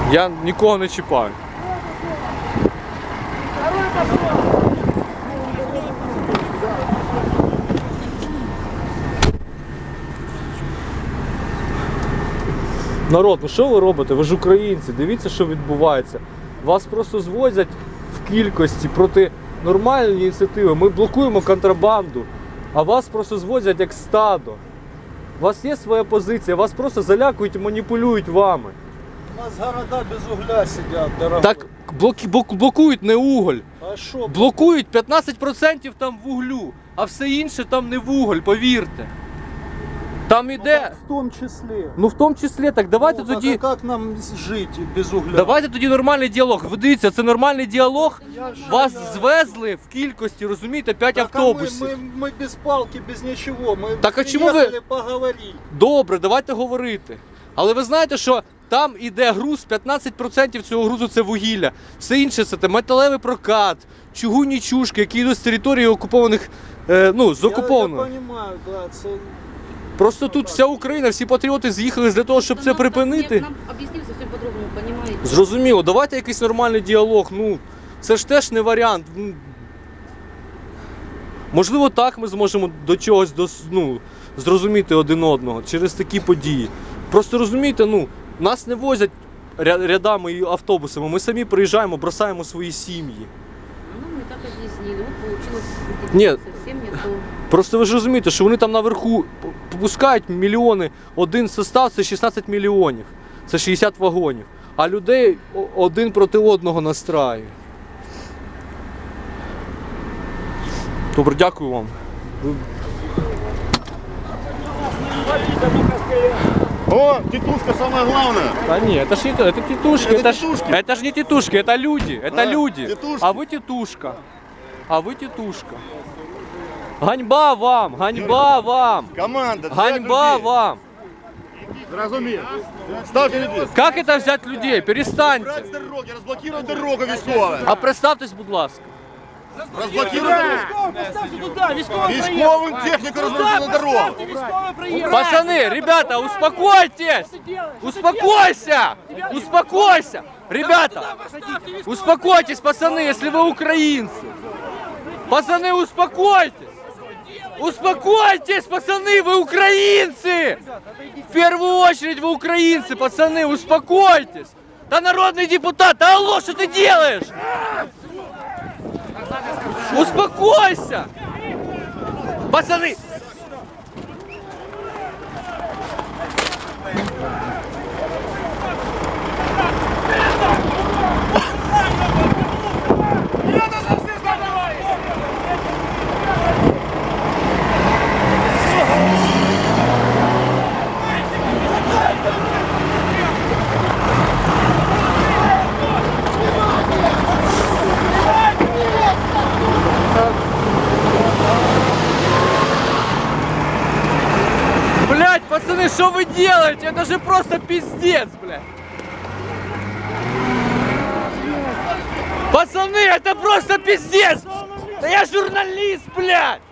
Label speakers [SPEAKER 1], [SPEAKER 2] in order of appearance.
[SPEAKER 1] Я нікого не чіпаю. Народ, ну що ви робите? Ви ж українці, дивіться, що відбувається. Вас просто звозять в кількості проти нормальної ініціативи. Ми блокуємо контрабанду, а вас просто звозять як стадо. У вас є своя позиція, вас просто залякують і маніпулюють вами.
[SPEAKER 2] У нас города без угля сидять, дорогой.
[SPEAKER 1] Так блокують не уголь.
[SPEAKER 2] А що?
[SPEAKER 1] Блокують 15% там вуглю, а все інше там не вуголь, повірте. Там іде.
[SPEAKER 2] В тому числі.
[SPEAKER 1] Ну в тому числі, так давайте
[SPEAKER 2] Ну,
[SPEAKER 1] тоді.
[SPEAKER 2] так, а як нам жити без угля?
[SPEAKER 1] Давайте тоді нормальний діалог. Ви дивіться, це нормальний діалог. Вас звезли в кількості, розумієте, 5
[SPEAKER 2] Так,
[SPEAKER 1] автобусів.
[SPEAKER 2] ми без палки, без нічого. Ми
[SPEAKER 1] Так, а чому ви-
[SPEAKER 2] приїхали поговорити.
[SPEAKER 1] Добре, давайте говорити. Але ви знаєте, що там іде груз, 15% цього грузу це вугілля. Все інше це металевий прокат, чугунні чушки, які йдуть з території окупованих, з окупованого.
[SPEAKER 2] Я розумію, да, це...
[SPEAKER 1] Просто тут вся Україна, всі патріоти з'їхали для того, щоб це припинити.
[SPEAKER 3] Нам об'яснив зовсім по-другому, розумієте?
[SPEAKER 1] Зрозуміло, давайте якийсь нормальний діалог. Ну, це ж теж не варіант. Можливо, так ми зможемо до чогось зрозуміти один одного через такі події. Просто розумієте, нас не возять рядами і автобусами. Ми самі приїжджаємо, бросаємо свої сім'ї.
[SPEAKER 3] Ну, ми так об'яснили, от получилось
[SPEAKER 1] Ні.
[SPEAKER 3] зовсім не то.
[SPEAKER 1] Просто ви ж розумієте, що вони там наверху пускають мільйони. Один состав – це 16 мільйонів. Це 60 вагонів. А людей один проти одного настраює. Добре, дякую вам.
[SPEAKER 4] О, тетушка самое главное.
[SPEAKER 1] Да нет, это ж не это тетушки,
[SPEAKER 4] Это
[SPEAKER 1] это, ж-
[SPEAKER 4] тетушки.
[SPEAKER 1] это же не тетушки, это люди, это
[SPEAKER 4] Да,
[SPEAKER 1] люди.
[SPEAKER 4] тетушки.
[SPEAKER 1] А вы тетушка. А вы тетушка. Ганьба вам, ганьба вам,
[SPEAKER 4] Команда.
[SPEAKER 1] ганьба вам.
[SPEAKER 4] Разумею. Ставьте людей.
[SPEAKER 1] Как это взять людей? Перестаньте.
[SPEAKER 4] Брать с дороги, разблокировать дорогу військову.
[SPEAKER 1] А представтесь, будь ласка.
[SPEAKER 4] Разблокировать військовым технику разблокировать дорогу.
[SPEAKER 1] Пацаны, ребята, успокойтесь! Успокойся! Успокойся! Ребята, успокойтесь, пацаны, если вы украинцы. Пацаны, успокойтесь! Успокойтесь, пацаны, вы украинцы! В первую очередь вы украинцы, пацаны, успокойтесь! Да народный депутат, да алло, что ты делаешь? Успокойся! Пацаны! Блять, пацаны, что вы делаете? Это же просто пиздец, блядь. Пацаны, это просто пиздец! Да я журналист, блядь!